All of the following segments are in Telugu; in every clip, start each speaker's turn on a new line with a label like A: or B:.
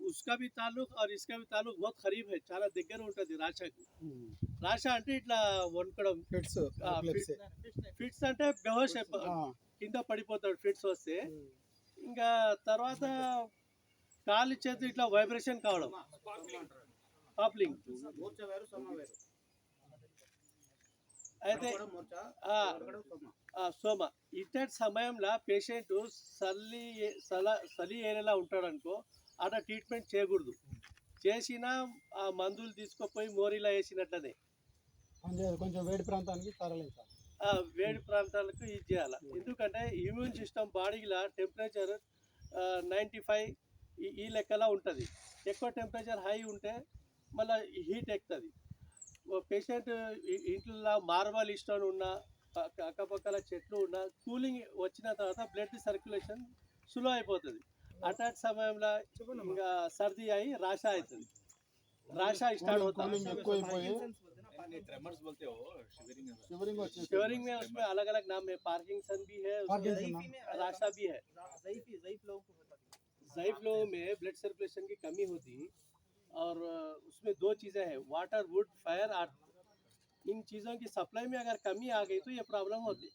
A: उसका भी ताल्लुक और इसका भी ताल्लुक बहुत करीब है, చాలా దగ్గర ఉంటుంది రాషాకు. రాషా అంటే ఇట్లా వణకడం,
B: ఫిట్స్
A: ఫిట్స్ అంటే బెహోష్ కింద పడిపోతాడు ఫిట్స్ వస్తే. ఇంకా తర్వాత కాలు చేతులు ఇట్లా వైబ్రేషన్ కావడం, పాప్లింగ్. అయితే సోమ ఇట్లాంటి సమయంలో పేషెంట్ చలి ఏరియాలో ఉంటాడు అనుకో, అక్కడ ట్రీట్మెంట్ చేయకూడదు. చేసినా ఆ మందులు తీసుకుపోయి మోరీలో వేసినట్లనే
B: కొంచెం వేడి ప్రాంతానికి తరలించాలి.
A: వేడి ప్రాంతాలకు ఇది చేయాలి. ఎందుకంటే ఇమ్యూన్ సిస్టమ్ బాడీలో టెంపరేచర్ 95 ఈ లెక్కలా ఉంటుంది. ఎక్కువ టెంపరేచర్ హై ఉంటే మళ్ళీ హీట్ ఎక్కుతుంది. పేషెంట్ ఇంట్లో మార్బల్ ఇష్టం ఉన్న అక్కపక్కల చెట్లు ఉన్న కూలింగ్ వచ్చిన తర్వాత బ్లడ్ సర్క్యులేషన్ స్లో అయిపోతుంది. అటాక్ సమయంలో ఇంకా సర్ది అయి రాషా అవుతుంది. రాషా స్టాर्ट होता है. शिवरिंग में उसमें अलग अलग नाम है. पार्किंसन भी है, राशा भी है. ज़ईफ लोगों में ब्लड सर्कुलेशन की कमी होती और उसमें दो चीज़ें हैं, वाटर, वुड, फायर, अर्थ. इन चीज़ों की सप्लाई में अगर कमी आ गई तो ये प्रॉब्लम होती.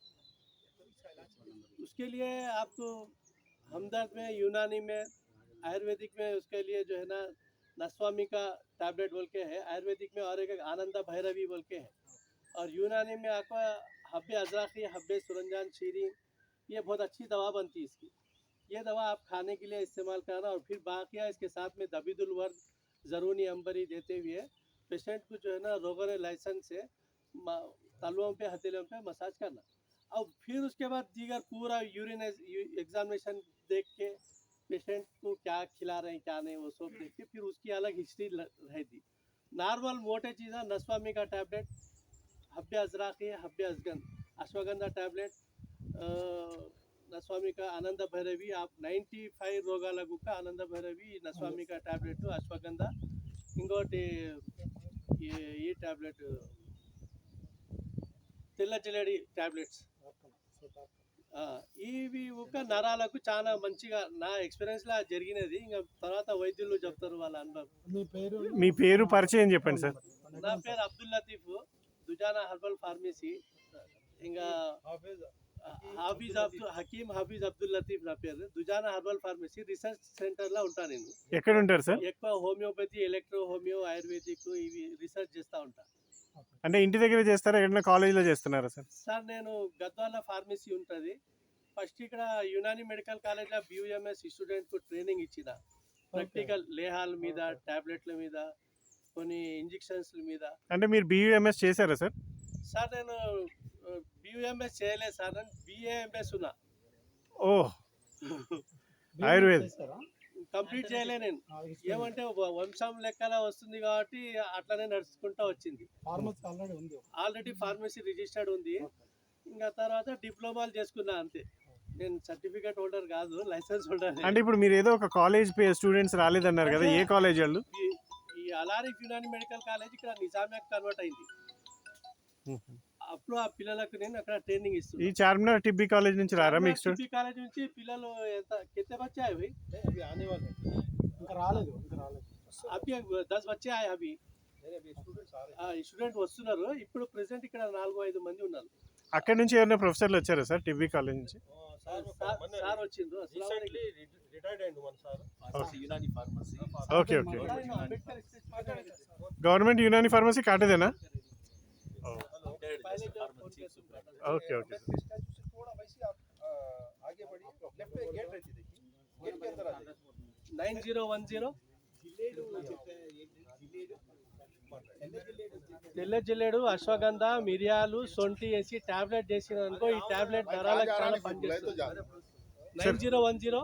A: उसके लिए आपको हमदर्द में, यूनानी में, आयुर्वेदिक में उसके लिए जो है ना नस्वामी का टैबलेट बोल के है आयुर्वेदिक में, और एक आनंदा भैरवी बोल के है. और यूनानी में आपका हब्बे अजराखी, हब्बे सुरंजान शीरी, ये बहुत अच्छी दवा बनती है इसकी. ये दवा आप खाने के लिए इस्तेमाल करना. और फिर बाकी इसके साथ में दबीदुल वर्द, ज़रूनी अंबरी देते हुए पेशेंट को जो है ना रोगन लाइसेंस से तलवों पे, हथेलियों पे मसाज करना. और फिर उसके बाद दीगर पूरा यूरिन एग्जामिनेशन देख के पेशेंट को क्या खिला रहे हैं क्या नहीं वो सब देख के फिर उसकी अलग हिस्ट्री रहती. नॉर्मल मोटे चीज़ें नस्वामी का टैबलेट, हब्बे अजराखी, हब्बे अजगन, अश्वगंधा टैबलेट, नस्वामी का आनंद भैरवी. आप 95 రోగాలకు ఆనంద భైరవి నస్వామి का टैबलेट, అశ్వగంధ, ఇంకోటి ఈ టాబ్లెట్ తెల్ల జిలేడి టాబ్లెట్స్. ఇవి ఒక నరాలకు చాలా మంచిగా నా ఎక్స్పీరియన్స్లో జరిగినది. ఇంకా తర్వాత వైద్యులు చెప్తారు వాళ్ళ అనుభవం.
C: మీ పేరు పరిచయం చెప్పండి సార్.
A: నా పేరు అబ్దుల్ లతీఫ్, దుజానా హెర్బల్ ఫార్మసీ. ఇంకా హకీమ్ హాఫీజ్ అబ్దుల్ లతీఫ్ నా పేరు. దుజానా హెర్బల్ ఫార్మసీ రీసెర్చ్ సెంటర్లో ఉంటాను నేను.
C: ఎక్కడ ఉంటారు సార్?
A: ఎక్కువ హోమియోపతి, ఎలక్ట్రో హోమియో, ఆయుర్వేదిక్ ఇవి రీసెర్చ్ చేస్తూ ఉంటాను.
C: అంటే ఇంటి దగ్గర చేస్తారా, ఎక్కడైనా కాలేజీలో చేస్తున్నారా సార్?
A: సార్ నేను గద్వాల ఫార్మసీ ఉంటుంది. ఫస్ట్ ఇక్కడ యునాని మెడికల్ కాలేజ్లో BUMS స్టూడెంట్కు ట్రైనింగ్ ఇచ్చిన, ప్రాక్టికల్ లేహాల మీద, టాబ్లెట్ల మీద, కొన్ని ఇంజెక్షన్స్ల మీద.
C: అంటే మీరు BUMS చేశారా సార్?
A: సార్ నేను BUMS చేయలేదు సార్, నేను BAMS ఉన్నా.
C: ఓ ఆయుర్వేద్
A: కంప్లీట్ చేయలే నేను. ఏమంటే వంశం లెక్కల వస్తుంది కాబట్టి అట్లనే నడుచుకుంటూ వచ్చింది. ఆల్రెడీ ఫార్మసీ రిజిస్టర్డ్ ఉంది. ఇంకా తర్వాత డిప్లొమాలు చేసుకున్నా అంతే. నేను సర్టిఫికేట్ హోల్డర్ కాదు, లైసెన్స్ హోల్డర్.
C: అంటే ఇప్పుడు మీరు ఏదో ఒక కాలేజ్ స్టూడెంట్స్ రాలేదన్నారు కదా, ఏ కాలేజ్ వాళ్ళు?
A: ఈ అలారిఫ్ యునాని మెడికల్ కాలేజ్ ఇక్కడ నిజామియాకి కన్వర్ట్ అయింది. అప్పుడు ఆ పిల్లలకు నేను అక్కడ ట్రైనింగ్ ఇస్తున్నాను.
C: ఈ చార్మినార్ టిబ్బీ కాలేజ్ నుంచి రారా మీకు?
A: టిబ్బీ కాలేజ్ నుంచి పిల్లలు ఎంత కింద బచ్చే అవి
B: ఇంకా రాలేదు.
A: అవి 10 బచ్చే అవి స్టూడెంట్ వస్తున్నారు. ఇప్పుడు ప్రెసెంట్ ఇక్కడ 4-5 మంది ఉన్నారు.
C: అక్కడ నుంచి ఏమైనా ప్రొఫెసర్లు వచ్చారా సార్ టిబ్బీ కాలేజ్ నుంచి?
A: సార్ వచ్చిండ్రు.
C: Okay okay. Government Unani pharmacy కాటేదేనా? Okay okay.
A: 9010 తెల్ల జిల్లేడు, అశ్వగంధ, మిరియాలు, సొంటి వేసి టాబ్లెట్ చేసిన అనుకో, ఈ టాబ్లెట్ నరాలకు చాలా పనిచేస్తుంది. 9010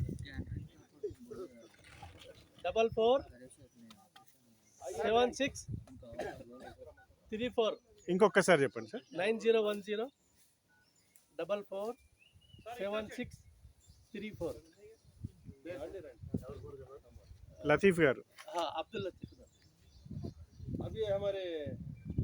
A: 44 7634.
C: ఇంకొకసారి చెప్పండి సార్.
A: 9010 44 7634.
C: लतीफ़ गारू.
A: हाँ, अब्दुल लतीफ़.
B: अभी हमारे